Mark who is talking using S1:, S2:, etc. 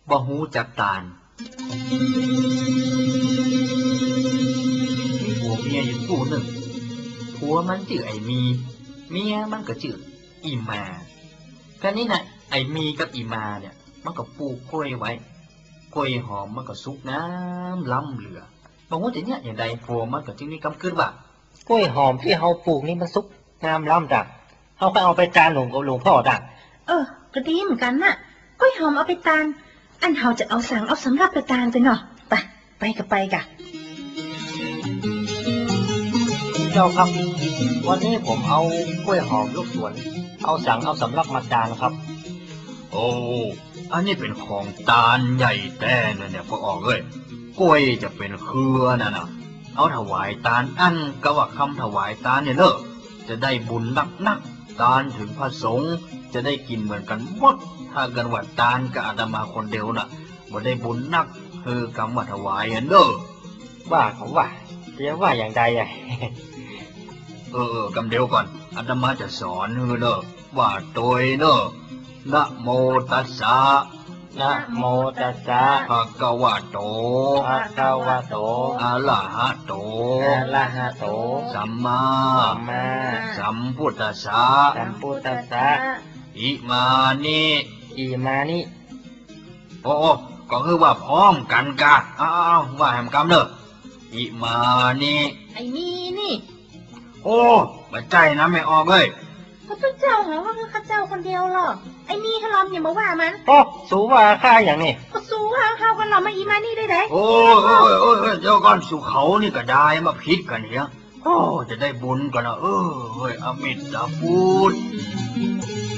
S1: บ่ฮู้จักตาลมีผัวเมียอยู่คู่หนึ่งผัวมันชื่อไอ้มีเมียมันก็ชื่ออีมาแค่นี้นะไอ้มีกับอีมาเนี่ยมันก็ปลูกกล้วยไว้กล้วยหอมมันก็สุกน้ำล้ำเหลือบอกว่าจะเนี่ยอย่างใดผัวมันก็จึงมีกำคืนว่าก
S2: ล้วยหอมที่เฮาปลูกนี่มันสุกน้ำล้ำดักเฮาก็เอาไปตาลหลวงกับหลวงพ่อดัก
S3: ก็ดีเหมือนกันน่ะกล้วยหอมเอาไปตาลอันเฮาจะเอาสั่งเอาสำรับไปตาลไปเนาะไปกะ
S2: เจ้าครับวันนี้ผมเอากล้วยหอมลูกสวนเอาสั่งเอาสำรับมาตาลครับ
S1: โอ้อันนี้เป็นของตาลใหญ่แต่เนี่ยพอออกเลยกล้วยจะเป็นเครือนะเอาถวายตาลอันก็ว่าคำถวายตาลเนี่ยเนอะจะได้บุญนักตาลถึงพระสงฆ์จะได้กินเหมือนกันหมดถ้ากันว่าตาลกับอาตมาคนเดียวน่ะบ่ได้บุญนักคือกรรมถวายเนอะ
S2: ว่าผมว่าเดี๋ยวว่าอย่างใด
S1: กำเดียวก่อนอาตมาจะสอนเนอะว่าโดยเนอะนะโมตัสสะ
S2: นะโมตัสสะ
S1: ภะคะวะโตอะระหะโตสัมมาสัมพุทธัสสะอิมานิโอ้ก็คือว่าพร้อมกันกะว่าแหมกำเนอะอิมานิ
S3: ไอ้มีนี่
S1: โอ้บัดใจนะไม่ออกเลย
S3: พระเจ้าหาว่าคือข้าเจ้าคนเดียวหรอไอ้นี่ถ้าล้อมอย่ามาว่ามัน
S2: สูว่าข้าอย่างนี้
S3: ก็สูว่าข้าวันเรามาอีมานี่ได้ไหม
S1: โอ้เจ้าก้อนสู่เขานี่ก็ได้มาพิษกันเนี่ยจะได้บุญกันนะอมิตรพุทธ